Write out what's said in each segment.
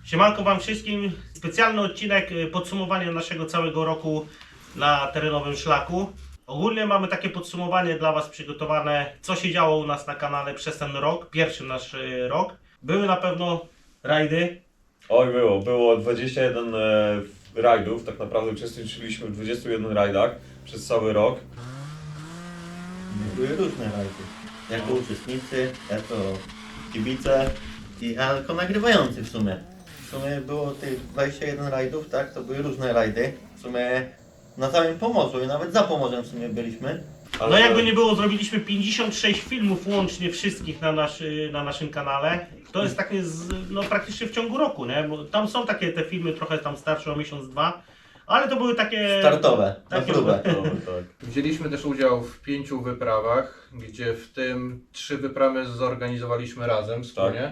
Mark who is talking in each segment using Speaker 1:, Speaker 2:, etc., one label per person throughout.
Speaker 1: Siemanko wam wszystkim. Specjalny odcinek podsumowania naszego całego roku na terenowym szlaku. Ogólnie mamy takie podsumowanie dla was przygotowane, co się działo u nas na kanale przez ten rok, pierwszy nasz rok. Były na pewno rajdy.
Speaker 2: Oj, było 21 rajdów, tak naprawdę uczestniczyliśmy w 21 rajdach przez cały rok.
Speaker 3: Były różne rajdy. Jako uczestnicy, jako kibice i jako nagrywający w sumie. W sumie było tych 21 rajdów, tak? To były różne rajdy. W sumie na całym Pomorzu i nawet za Pomorzem w sumie byliśmy.
Speaker 1: No jakby nie było, zrobiliśmy 56 filmów łącznie wszystkich na naszym kanale. To jest takie no praktycznie w ciągu roku, nie? Bo tam są takie te filmy trochę tam starsze o miesiąc, dwa. Ale to były takie...
Speaker 3: Startowe, na
Speaker 1: takie
Speaker 3: próbę.
Speaker 2: No, tak.
Speaker 4: Wzięliśmy też udział w 5 wyprawach, gdzie w tym 3 wyprawy zorganizowaliśmy razem wspólnie.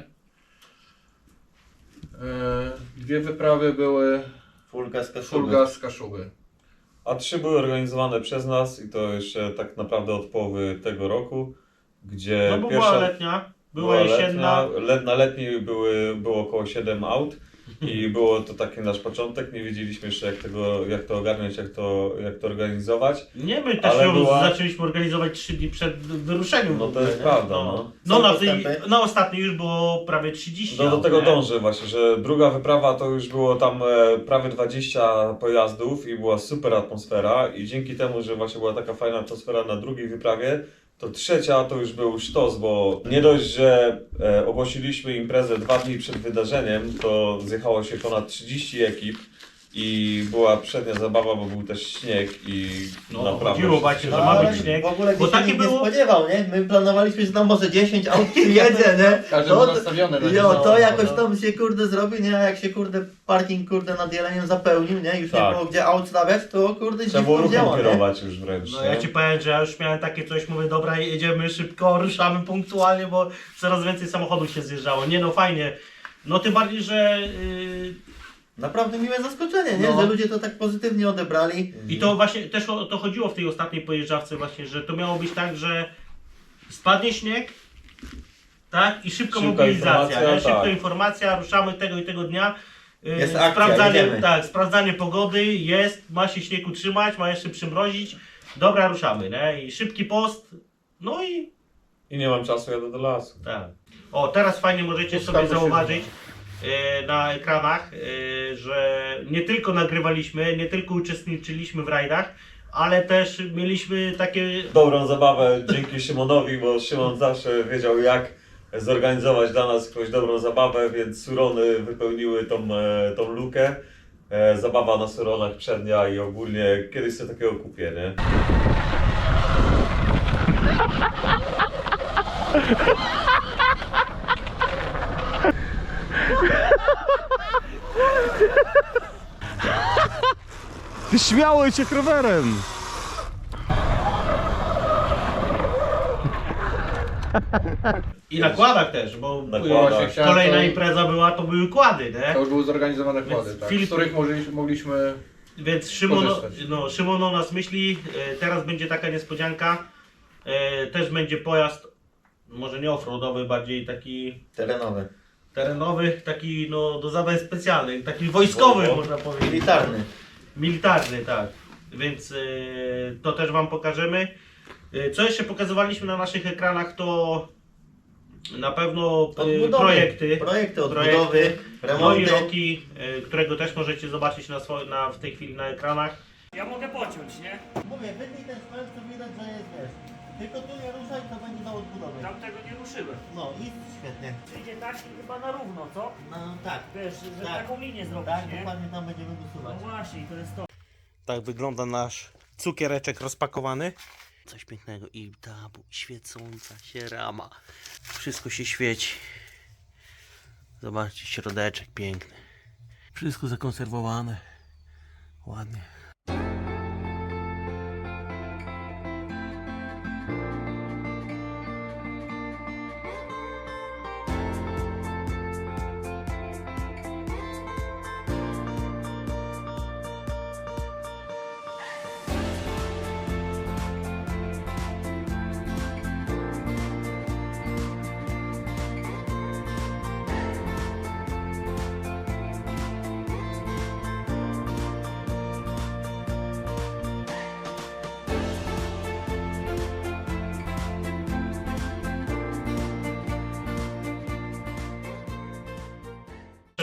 Speaker 4: 2 wyprawy były
Speaker 3: Fulga z Kaszuby.
Speaker 4: Fulga z Kaszuby.
Speaker 2: A 3 były organizowane przez nas i to jeszcze tak naprawdę od połowy tego roku, gdzie
Speaker 1: No bo była letnia, była jesienna.
Speaker 2: Na letniej było około 7 aut i było to taki nasz początek, nie wiedzieliśmy jeszcze jak to ogarniać, jak to organizować.
Speaker 1: Nie, my też
Speaker 2: Ale
Speaker 1: ją
Speaker 2: była-
Speaker 1: zaczęliśmy organizować 3 dni przed wyruszeniem.
Speaker 2: No
Speaker 1: w
Speaker 2: to
Speaker 1: ogóle,
Speaker 2: jest
Speaker 1: nie?
Speaker 2: prawda,
Speaker 1: No,
Speaker 2: no.
Speaker 1: no
Speaker 3: Są postępy?
Speaker 1: na ostatniej już było prawie 30
Speaker 2: No do
Speaker 1: aut,
Speaker 2: tego
Speaker 1: nie?
Speaker 2: dążę właśnie, że druga wyprawa to już było tam prawie 20 pojazdów i była super atmosfera i dzięki temu, że właśnie była taka fajna atmosfera na drugiej wyprawie, to trzecia to już był sztos, bo nie dość, że ogłosiliśmy imprezę 2 dni przed wydarzeniem, to zjechało się ponad 30 ekip i była przednia zabawa, bo był też śnieg i
Speaker 1: No,
Speaker 2: naprawdę...
Speaker 1: chodziło właśnie, że
Speaker 3: No,
Speaker 1: ma
Speaker 3: ale
Speaker 1: być śnieg.
Speaker 3: w ogóle
Speaker 1: Bo
Speaker 3: dzisiaj
Speaker 1: takie
Speaker 3: nikt nie
Speaker 1: było...
Speaker 3: spodziewał, nie? My planowaliśmy, że tam może 10 aut przyjedzie, nie?
Speaker 4: Każdy był nastawiony na
Speaker 3: Jo,
Speaker 4: nie.
Speaker 3: to jakoś
Speaker 1: no.
Speaker 3: tam się kurde zrobi, nie? A jak się kurde parking kurde nad Jeleniem zapełnił, nie? Już nie
Speaker 2: Tak.
Speaker 3: było gdzie aut stawiać, to kurde
Speaker 2: Trzeba było
Speaker 3: dziwko
Speaker 2: ruchem
Speaker 3: działa, nie?
Speaker 2: kierować już wręcz,
Speaker 1: No
Speaker 2: nie?
Speaker 1: ja ci powiem, że ja już miałem takie coś, mówię, dobra, jedziemy szybko, ruszamy punktualnie, bo coraz więcej samochodów się zjeżdżało. Nie no, fajnie. No tym bardziej, że...
Speaker 3: Naprawdę miłe zaskoczenie, nie?
Speaker 1: No.
Speaker 3: Że ludzie to tak pozytywnie odebrali.
Speaker 1: I to właśnie też o to chodziło w tej ostatniej pojeżdżawce właśnie, że to miało być tak, że spadnie śnieg, tak? I szybko
Speaker 2: Szybka
Speaker 1: mobilizacja,
Speaker 2: informacja,
Speaker 1: nie? Szybko
Speaker 2: tak.
Speaker 1: informacja, ruszamy tego i tego dnia.
Speaker 3: Jest akcja, jedziemy.
Speaker 1: tak, sprawdzanie pogody, jest, ma się śnieg utrzymać, ma jeszcze przymrozić. Dobra, ruszamy, nie? I szybki post, no i
Speaker 2: I nie mam czasu, jadę do lasu.
Speaker 1: tak. O, teraz fajnie możecie
Speaker 4: Ustawmy
Speaker 1: sobie
Speaker 4: się
Speaker 1: zauważyć na ekranach, że nie tylko nagrywaliśmy, nie tylko uczestniczyliśmy w rajdach, ale też mieliśmy takie...
Speaker 2: Dobrą zabawę dzięki Szymonowi, bo Szymon zawsze wiedział jak zorganizować dla nas jakąś dobrą zabawę, więc surony wypełniły tą lukę. Zabawa na suronach przednia i ogólnie kiedyś sobie takiego kupię, nie?
Speaker 5: Ty śmiałeś się rowerem!
Speaker 1: I na kładach też, bo
Speaker 2: Na
Speaker 4: Właśnie
Speaker 2: kładach.
Speaker 4: chciałem
Speaker 1: kolejna
Speaker 4: to-
Speaker 1: impreza była, to były kłady,
Speaker 4: To
Speaker 1: nie?
Speaker 4: już były zorganizowane kłady,
Speaker 1: Więc
Speaker 4: tak,
Speaker 1: Filip-
Speaker 4: z których mogliśmy...
Speaker 1: Więc Szymon,
Speaker 4: Korzystać.
Speaker 1: no, Szymon o nas myśli, teraz będzie taka niespodzianka, też będzie pojazd, może nie offroadowy, bardziej taki
Speaker 3: Terenowy.
Speaker 1: terenowy, taki no do zadań specjalnych, taki wojskowy
Speaker 2: Bo-
Speaker 1: można powiedzieć.
Speaker 3: Militarny.
Speaker 1: Militarny, tak. Więc to też wam pokażemy. Co jeszcze pokazywaliśmy na naszych ekranach, to na pewno
Speaker 3: Odbudowy.
Speaker 1: projekty.
Speaker 3: Projekty odbudowy,
Speaker 1: No i
Speaker 3: remonty.
Speaker 1: Roki, którego też możecie zobaczyć w tej chwili na ekranach.
Speaker 6: Ja mogę pociąć, nie?
Speaker 3: Mówię, wytnij ten spęd, to widać, że jest, wiesz. Tylko tu nie ruszaj, to będzie do odbudowy.
Speaker 6: Tamtego nie ruszyłem.
Speaker 3: No i świetnie.
Speaker 6: Przyjdzie tak i chyba na równo, co?
Speaker 3: No tak.
Speaker 6: Wiesz, że
Speaker 3: Tak.
Speaker 6: taką linię zrobić,
Speaker 3: Tak,
Speaker 6: nie?
Speaker 3: dokładnie tam będziemy
Speaker 6: No
Speaker 3: dosuwać.
Speaker 6: właśnie, i to jest to.
Speaker 1: Tak wygląda nasz cukiereczek rozpakowany. Coś pięknego i ta świecąca się rama. Wszystko się świeci. Zobaczcie, środeczek piękny. Wszystko zakonserwowane. Ładnie.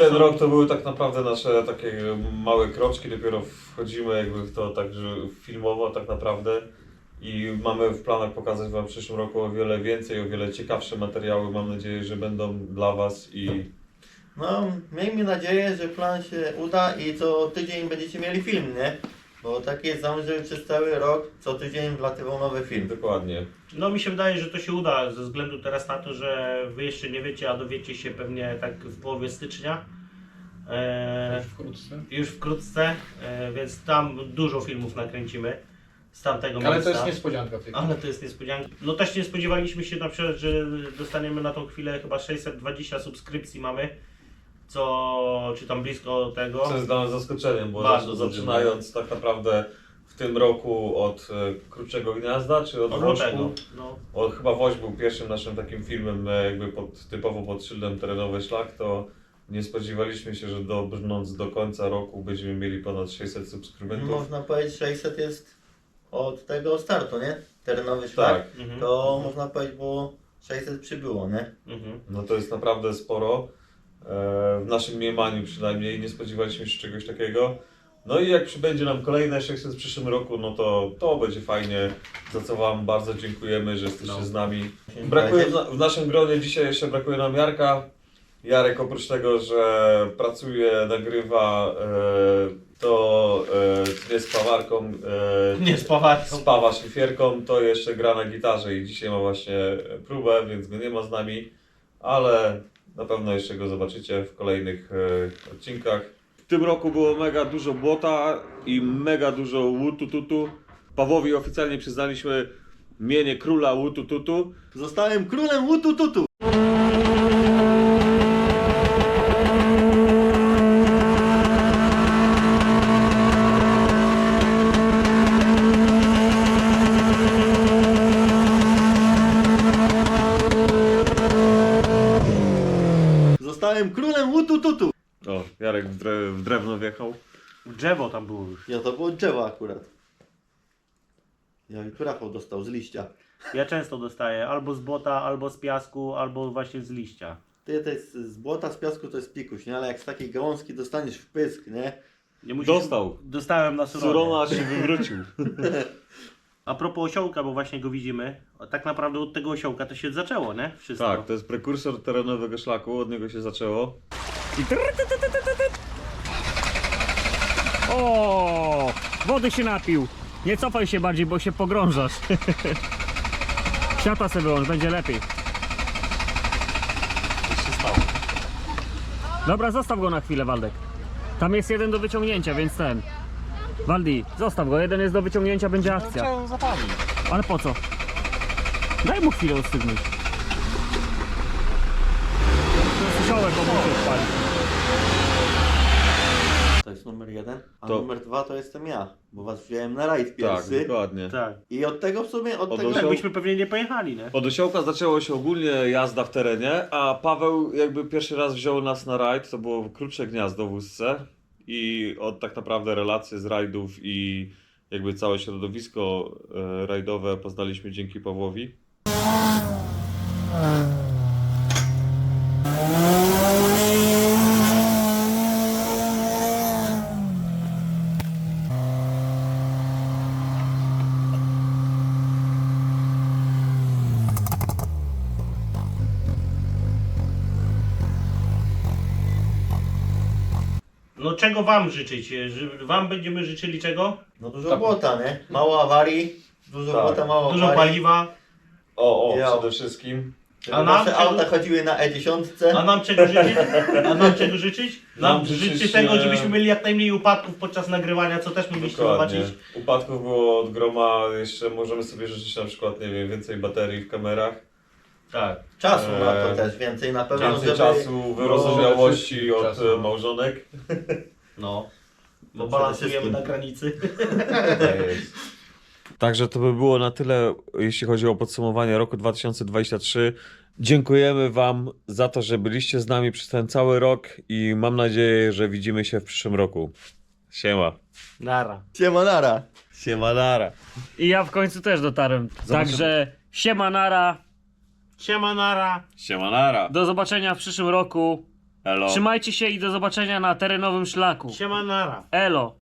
Speaker 2: ten rok to były tak naprawdę nasze takie małe kroczki, dopiero wchodzimy jakby w to także filmowo tak naprawdę i mamy w planach pokazać Wam w przyszłym roku o wiele więcej, o wiele ciekawsze materiały, mam nadzieję, że będą dla Was i
Speaker 3: No, miejmy nadzieję, że plan się uda i co tydzień będziecie mieli film, nie? Bo tak jest zamysł, żeby przez cały rok co tydzień wlatywał nowy film.
Speaker 2: dokładnie.
Speaker 1: No mi się wydaje, że to się uda ze względu teraz na to, że wy jeszcze nie wiecie, a dowiecie się pewnie tak w połowie stycznia.
Speaker 4: Wkrótce.
Speaker 1: Już wkrótce, więc tam dużo filmów nakręcimy z tamtego
Speaker 4: Ale
Speaker 1: miejsca.
Speaker 4: to jest niespodzianka w tej
Speaker 1: Ale to jest niespodzianka. No też nie spodziewaliśmy się na przykład, że dostaniemy na tą chwilę chyba 620 subskrypcji mamy, czy tam blisko tego.
Speaker 2: Co jest dla nas zaskoczeniem, bo
Speaker 1: Bardzo
Speaker 2: zaczynając tak naprawdę w tym roku od Kruczego Gniazda, czy od
Speaker 1: Od
Speaker 2: Wośpu,
Speaker 1: lutego. No.
Speaker 2: chyba Woś był pierwszym naszym takim filmem jakby typowo pod szyldem Terenowy Szlak, to nie spodziewaliśmy się, że dobrnąc do końca roku będziemy mieli ponad 600 subskrybentów.
Speaker 3: Można powiedzieć, 600 jest od tego startu, nie? Terenowy szlak.
Speaker 2: Tak,
Speaker 1: Mhm.
Speaker 3: To można powiedzieć, bo 600 przybyło, nie?
Speaker 1: Mhm.
Speaker 2: no to jest naprawdę sporo. W naszym mniemaniu przynajmniej nie spodziewaliśmy się czegoś takiego. No i jak przybędzie nam kolejne 600 w przyszłym roku, no to będzie fajnie, za co Wam bardzo dziękujemy, że jesteście z nami. Brakuje w naszym gronie dzisiaj jeszcze brakuje nam Jarka. Jarek oprócz tego, że pracuje, nagrywa, to nie z pawarką,
Speaker 1: Nie spawać.
Speaker 2: spawa szlifierką, to jeszcze gra na gitarze i dzisiaj ma właśnie próbę, więc go nie ma z nami, ale na pewno jeszcze go zobaczycie w kolejnych odcinkach. W tym roku było mega dużo błota i mega dużo łutututu. Pawłowi oficjalnie przyznaliśmy mienie króla łutututu.
Speaker 3: Zostałem królem łutututu! Zostałem królem łutututu!
Speaker 2: O, Jarek w drewno wjechał.
Speaker 1: Drzewo tam było już.
Speaker 3: Ja to było drzewo akurat. Ja i tu Rafał dostał z liścia.
Speaker 1: Ja często dostaję albo z błota, albo z piasku, albo właśnie z liścia.
Speaker 3: Ty to jest z błota, z piasku to jest pikuś, nie? Ale jak z takiej gałązki dostaniesz w pysk, nie?
Speaker 1: Nie musisz...
Speaker 2: Dostał.
Speaker 1: Dostałem na surowie.
Speaker 2: Surona się wywrócił.
Speaker 1: A propos osiołka, bo właśnie go widzimy, tak naprawdę od tego osiołka to się zaczęło, nie? Wszystko.
Speaker 2: Tak, to jest prekursor terenowego szlaku, od niego się zaczęło.
Speaker 6: O, wody się napił. Nie cofaj się bardziej, bo się pogrążasz. Światła sobie wyłącz, będzie lepiej. Dobra, zostaw go na chwilę, Waldek. Tam jest jeden do wyciągnięcia, więc ten. Waldi, zostaw go, jeden jest do wyciągnięcia, będzie akcja.
Speaker 5: Chciałem zapalić.
Speaker 6: Ale po co? Daj mu chwilę ostygnąć. To jest osiołek, bo musi odpalić.
Speaker 3: To jest numer 1, a
Speaker 2: To-
Speaker 3: numer 2 to jestem ja, bo was wziąłem na rajd
Speaker 2: Tak,
Speaker 3: pierwszy.
Speaker 2: dokładnie.
Speaker 1: Tak.
Speaker 3: I od tego w sumie, od
Speaker 2: Od
Speaker 3: tego...
Speaker 2: osioł-
Speaker 1: Tak byśmy pewnie nie pojechali, nie?
Speaker 2: Od osiołka zaczęło się ogólnie jazda w terenie, a Paweł jakby pierwszy raz wziął nas na rajd, to było Krucze Gniazdo w Łódźce i od tak naprawdę relacje z rajdów i jakby całe środowisko rajdowe poznaliśmy dzięki Pawłowi.
Speaker 1: No czego wam życzyć? Wam będziemy życzyli czego?
Speaker 3: No dużo błota, nie? Mało awarii, dużo
Speaker 2: Tak.
Speaker 3: błota, mało
Speaker 1: Dużo
Speaker 3: awarii.
Speaker 1: paliwa.
Speaker 3: Ja.
Speaker 2: Przede wszystkim.
Speaker 3: Żeby
Speaker 1: A nam
Speaker 3: nasze
Speaker 1: czego-
Speaker 3: auta chodziły na E10.
Speaker 1: A nam czego życzyć? A nam czego życzyć? Nam
Speaker 2: Nam
Speaker 1: życzyć
Speaker 2: życzyć,
Speaker 1: tego, żebyśmy mieli jak najmniej upadków podczas nagrywania, co też mogliście
Speaker 2: Dokładnie.
Speaker 1: zobaczyć.
Speaker 2: Upadków było od groma, jeszcze możemy sobie życzyć na przykład, nie wiem, więcej baterii w kamerach.
Speaker 1: Tak.
Speaker 3: Czasu na to też więcej na pewno,
Speaker 2: Więcej
Speaker 3: żeby...
Speaker 2: czasu, wyrozumiałości
Speaker 4: wszystkim
Speaker 2: od
Speaker 4: czasu.
Speaker 2: małżonek.
Speaker 1: No. Bo
Speaker 3: Przede
Speaker 1: balansujemy
Speaker 3: wszystkim.
Speaker 1: na granicy.
Speaker 2: Także to by było na tyle, jeśli chodzi o podsumowanie roku 2023. Dziękujemy Wam za to, że byliście z nami przez ten cały rok i mam nadzieję, że widzimy się w przyszłym roku. Siema.
Speaker 1: Nara.
Speaker 3: Siemanara.
Speaker 2: Siemanara.
Speaker 6: I ja w końcu też dotarłem. Także siema nara.
Speaker 1: Siema, nara.
Speaker 2: Siemanara.
Speaker 6: Do zobaczenia w przyszłym roku.
Speaker 2: Elo.
Speaker 6: Trzymajcie się i do zobaczenia na terenowym szlaku.
Speaker 1: Siema nara.
Speaker 6: Elo.